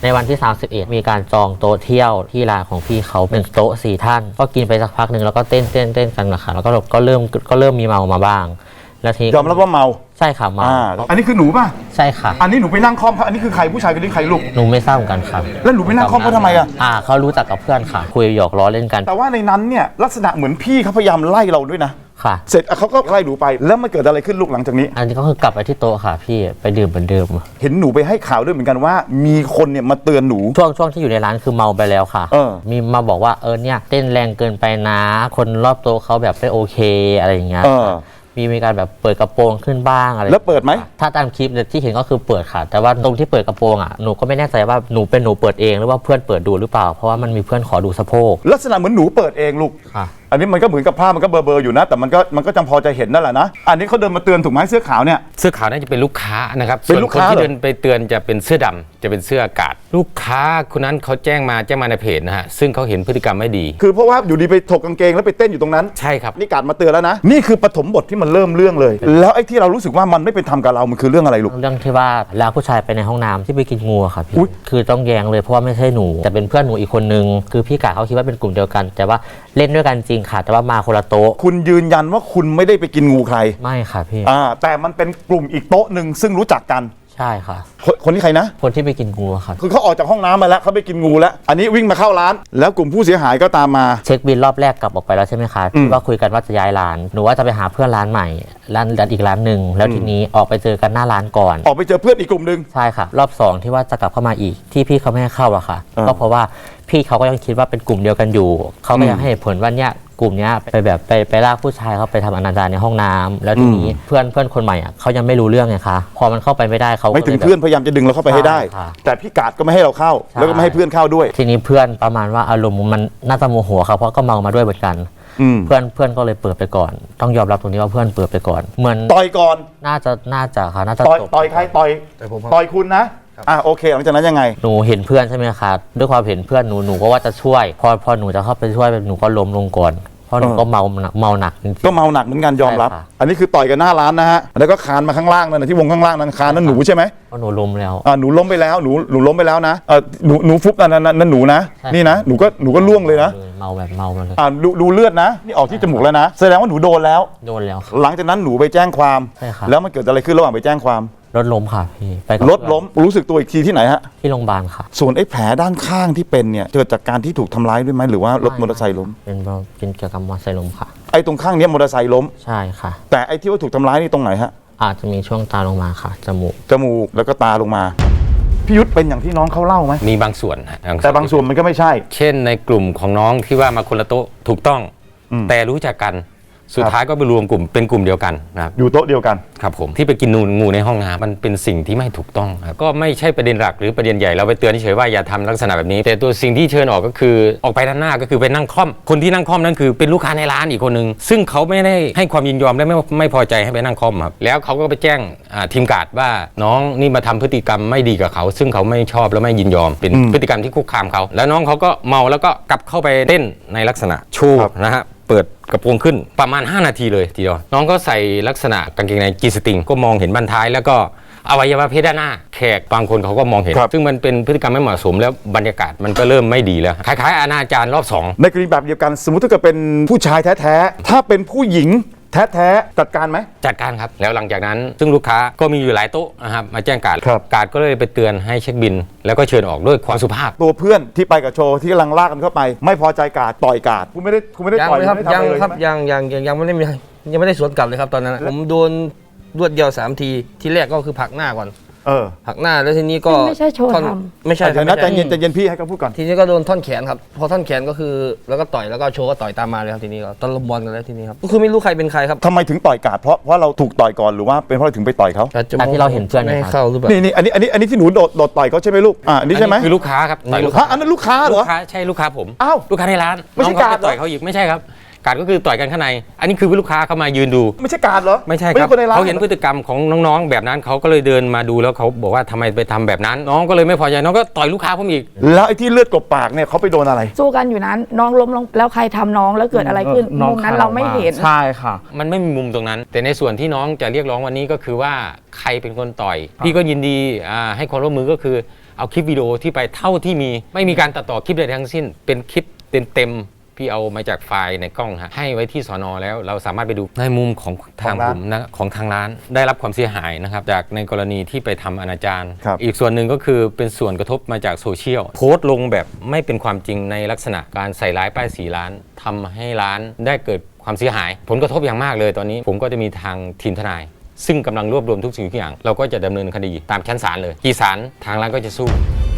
ในวันที่31มีการจองโต๊ะเที่ยวที่ร้านของพี่เขาเป็นโต๊ะ4 ท่านก็กินไปสักพักหนึ่งแล้วก็เต้นกันนะคะแล้วก็เริ่มมีเมามาบ้างแล้วทียอมรับว่าเมาใช่ค่ะเมาอันนี้คือหนูป่ะใช่ค่ะอันนี้หนูไปนั่งคอมอันนี้คือใครผู้ชายคนนี้ใครลูกหนูไม่ทราบเหมือนกันครับแล้วหนูไปนั่งคอมเขาทำไมเขารู้จักกับเพื่อนค่ะคุยหยอกล้อเล่นกันแต่ว่าในนั้นเนี่ยลักษณะเหมือนพี่เขาพยายามไล่เราด้วยนะค่ะเสร็จเขาก็ไล่หนูไปแล้วมันเกิดอะไรขึ้นลูกหลังจากนี้อันนี้ก็คือกลับไปที่โต๊ะค่ะพี่ไปดื่มเหมือนเดิมเห็นหนูไปให้ข่าวด้วยเหมือนกันว่ามีคนเนี่ยมาเตือนหนูช่วงที่อยู่ในร้านคือเมาไปแล้วค่ะมีมาบอกว่าเนี่ยเต้นแรงเกินไปนะคนรอบโต๊ะเขาแบบไม่โอเคอะไรอย่างเงี้ยมีการแบบเปิดกระโปรงขึ้นบ้างอะไรแล้วเปิดไหมถ้าตามคลิปที่เห็นก็คือเปิดค่ะแต่ว่าตรงที่เปิดกระโปรงหนูก็ไม่แน่ใจว่าหนูเปิดเองหรือว่าเพื่อนเปิดดูหรือเปล่าเพราะว่ามันมีเพื่อนขอดูสะโพกลักษณะเหมือนหนูเปิดเองลูกอันนี้มันก็เหมือนกับผ้ามันก็เบลอๆอยู่นะแต่มันก็จำพอจะเห็นนั่นแหละนะอันนี้เขาเดินมาเตือนถูกไหมเสื้อขาวเนี่ยเสื้อขาวน่าจะเป็นลูกค้านะครับเป็นลูกค้าที่เดินไปเตือนจะเป็นเสื้อดำจะเป็นเสื้ออากาศลูกค้าคนนั้นเขาแจ้งมาในเพจนะฮะซึ่งเขาเห็นพฤติกรรมไม่ดีคือเพราะว่าอยู่ดีไปถกกางเกงแล้วไปเต้นอยู่ตรงนั้นใช่ครับนี่การมาเตือนแล้วนะนี่คือปฐมบทที่มันเริ่มเรื่องเลยแล้วไอ้ที่เรารู้สึกว่ามันไม่เป็นธรรมกับเรามันคือเรื่องอะไรลูกเรื่องที่ว่าลากผู้ชายไปในห้องน้ำที่ไปกินงูค่ะพี่คือต้องแย้งเลยเพราะว่าไม่ใช่หนูแต่เป็นเพื่อนหนูอีกคนนึงคือพี่กะเขาคิดว่าเป็นกลุ่มเดียวกันแต่ว่าเล่นด้วยกันจริงค่ะแต่ว่ามาคนละโต๊ะคุณยืนยันว่าคุณไม่ได้ไปกินงูใครไม่ค่ะพี่แต่มันเป็นกลุ่มอีกโต๊ะหนึ่งซึ่งรู้จักกันใช่ค่ะคนที่ใครนะคนที่ไปกินงูครับคือเขาออกจากห้องน้ำมาแล้วเขาไปกินงูแล้วอันนี้วิ่งมาเข้าร้านแล้วกลุ่มผู้เสียหายก็ตามมาเช็คบิลรอบแรกกลับออกไปแล้วใช่ไหมคะที่ว่าคุยกันว่าจะย้ายร้านหนูว่าจะไปหาเพื่อนร้านใหม่ร้านอีกร้านหนึ่งแล้วทีนี้ออกไปเจอกันหน้าร้านก่อนออกไปเจอเพื่อนอีกกลุ่มหนึ่งใช่ค่ะรอบ2ที่ว่าจะกลับเข้ามาอีกที่พี่เขาไม่ให้เข้าอะค่ะก็เพราะว่าพี่เขาก็ยังคิดว่าเป็นกลุ่มเดียวกันอยู่เขาก็ยังให้ผลว่าเนี่ยกลุ่มนี้ไปลากผู้ชายเขาไปทำอนาจารในห้องน้ำแล้วทีนี้เพื่อนคนใหม่เขายังไม่รู้เรื่องไงคะพอมันเข้าไปไม่ได้เขาไม่ถึงเพื่อนพยายามจะดึงเราเข้าไปให้ได้แต่พี่กาดก็ไม่ให้เราเข้าแล้วก็ไม่ให้เพื่อนเข้าด้วยทีนี้เพื่อนประมาณว่าอารมณ์มันน่าจะโมโหเขาเพราะก็เมามาด้วยเหมือนกันเพื่อนก็เลยเปิดไปก่อนต้องยอมรับตรงนี้ว่าเพื่อนเปิดไปก่อนเหมือนต่อยก่อนน่าจะค่ะน่าจะต่อยใครต่อยคุณนะโอเคหลังจากนั้นยังไงหนูเห็นเพื่อนใช่ไหมคะด้วยความเห็นเพื่อนหนูก็ว่าจะช่วยพอหนูจะเข้าไปช่วยหนูก็ล้มลงก่อนเพราะหนูก็เมาหนักจริงก็เมาหนักเหมือนกันยอมรับอันนี้คือต่อยกันหน้าร้านนะฮะแล้วก็คานมาข้างล่างนั่นที่วงข้างล่างนั้นคานนั่นหนูใช่ไหมเพราะหนูล้มแล้วหนูล้มไปแล้วหนูล้มไปแล้วนะหนูฟุบนั่นหนูนะนี่นะหนูก็ล่วงเลยนะเมามาเลยดูเลือดนะนี่ออกที่จมูกแล้วนะแสดงว่าหนูโดนแล้วหลังจากนั้นหนูไปแจ้งความแล้วมันเกิดอะไรขึ้นระหว่างไปแจ้งความรถล้มค่ะพี่รถล้มรู้สึกตัวอีกทีที่ไหนฮะที่โรงพยาบาลค่ะส่วนไอ้แผลด้านข้างที่เป็นเนี่ยเกิดจากการที่ถูกทำร้ายด้วยไหมหรือว่ารถมอเตอร์ไซค์ล้มเป็นเกี่ยวกับมอเตอร์ไซค์ล้มค่ะไอ้ตรงข้างนี้มอเตอร์ไซค์ล้มใช่ค่ะแต่ไอ้ที่ว่าถูกทำร้ายนี่ตรงไหนฮะอาจจะมีช่วงตาลงมาค่ะจมูกแล้วก็ตาลงมาพี่ยุทธเป็นอย่างที่น้องเขาเล่าไหมมีบางส่วนแต่บางส่วนมันก็ไม่ใช่เช่นในกลุ่มของน้องที่ว่ามาคนละโต๊ะถูกต้องแต่รู้จักกันสุดท้ายก็ไปรวมกลุ่มเป็นกลุ่มเดียวกันนะครับอยู่โต๊ะเดียวกันครับผมที่ไปกินงูในห้องน้ำมันเป็นสิ่งที่ไม่ถูกต้องครับก็ไม่ใช่ประเด็นหลักหรือประเด็นใหญ่เราไปเตือนเฉยว่าอย่าทำลักษณะแบบนี้แต่ตัวสิ่งที่เชิญออกก็คือออกไปด้านหน้าก็คือไปนั่งค่อมคนที่นั่งค่อมนั่นคือเป็นลูกค้าในร้านอีกคนนึงซึ่งเขาไม่ได้ให้ความยินยอมและไม่พอใจให้ไปนั่งค่อมครับแล้วเขาก็ไปแจ้งทีมการ์ดว่าน้องนี่มาทำพฤติกรรมไม่ดีกับเขาซึ่งเขาไม่ชอบและไม่ยินยอมเป็นพฤติกรรมที่คุกคามเขาแล้วน้องเขาก็เมาแล้วก็กลับเข้าไปเต้นในลักษณะชูนะฮะเปิดกระโปรงขึ้นประมาณ5นาทีเลยทีเดียวน้องก็ใส่ลักษณะกางเกงในจีสติงก็มองเห็นบั้นท้ายแล้วก็อวัยวะเพศด้านหน้าแขกบางคนเขาก็มองเห็นซึ่งมันเป็นพฤติกรรมไม่เหมาะสมแล้วบรรยากาศมันก็เริ่มไม่ดีแล้วคล้ายๆอนาจารรอบ2 ในกรณีแบบเดียวกันสมมติถ้าเกิดเป็นผู้ชายแท้ๆถ้าเป็นผู้หญิงแท้จัดการไหมจัดการครับแล้วหลังจากนั้นซึ่งลูกค้าก็มีอยู่หลายโต๊ะนะครับมาแจ้งการ์ดก็เลยไปเตือนให้เช็คบินแล้วก็เชิญออกด้วยความสุภาพตัวเพื่อนที่ไปกับโชว์ที่กำลังลากกันเข้าไปไม่พอใจการ์ดต่อยการ์ดคุณไม่ได้ต่อยครับยังไม่ได้สวนกลับเลยครับตอนนั้นผมโดนรวดเดียว3ทีที่แรกก็คือผลักหน้าก่อนหักหน้าแล้วทีนี้ก็ไม่ใช่โชว์ทำไม่ใช่ใจเย็นพี่ให้เขาพูดก่อนทีนี้ก็โดนท่อนแขนครับพอท่อนแขนก็คือแล้วก็ต่อยแล้วก็โชว์ก็ต่อยตามมาเลยครับทีนี้ก็ตะลุมบอลกันแล้วทีนี้ครับก็คือไม่รู้ใครเป็นใครครับทำไมถึงต่อยกาดเพราะเราถูกต่อยก่อนหรือว่าเป็นเพราะถึงไปต่อยเขาที่เราเห็นเพื่อนไม่เข้าหรือเปล่านี่อันนี้ที่หนูโดดต่อยเขาใช่ไหมลูกอันนี้ใช่ไหมคือลูกค้าครับต่อยลูกค้าอันนั้นลูกค้าเหรอใช่ลูกค้าผมอ้าวลูกค้าในร้านไม่ใช่การต่อยเขาอีกไม่ใช่ครับการก็คือต่อยกันข้างในอันนี้คือลูกค้าเขามายืนดูไม่ใช่การเหรอไม่ใช่ครับเขาเห็นพฤติกรรมของน้องๆแบบนั้นเขาก็เลยเดินมาดูแล้วเขาบอกว่าทำไมไปทำแบบนั้นน้องก็เลยไม่พอใจน้องก็ต่อยลูกค้าผมอีกแล้วไอ้ที่เลือดกบปากเนี่ยเขาไปโดนอะไรสู้กันอยู่นั้นน้องล้มลงแล้วใครทำน้องแล้วเกิดอะไรขึ้นมุมนั้นเราไม่เห็นใช่ค่ะมันไม่มีมุมตรงนั้นแต่ในส่วนที่น้องจะเรียกร้องวันนี้ก็คือว่าใครเป็นคนต่อยพี่ก็ยินดีให้ความร่วมมือก็คือเอาคลิปวิดีโอที่ไปเท่าที่มีไม่มีการตัดต่อคลิปใดทั้งสิ้น เป็นคลิปเต็มๆพี่เอามาจากไฟล์ในกล้องฮะให้ไว้ที่สน.แล้วเราสามารถไปดูในมุมของทางผมนะของทางร้านได้รับความเสียหายนะครับจากในกรณีที่ไปทำอนาจารอีกส่วนหนึ่งก็คือเป็นส่วนกระทบมาจากโซเชียลโพสต์ลงแบบไม่เป็นความจริงในลักษณะการใส่ร้ายป้ายสีร้านทำให้ร้านได้เกิดความเสียหายผลกระทบอย่างมากเลยตอนนี้ผมก็จะมีทางทีมทนายซึ่งกำลังรวบรวมทุกสิ่งทุกอย่างเราก็จะดำเนินคดีตามชั้นศาลเลยกี่ศาลทางร้านก็จะสู้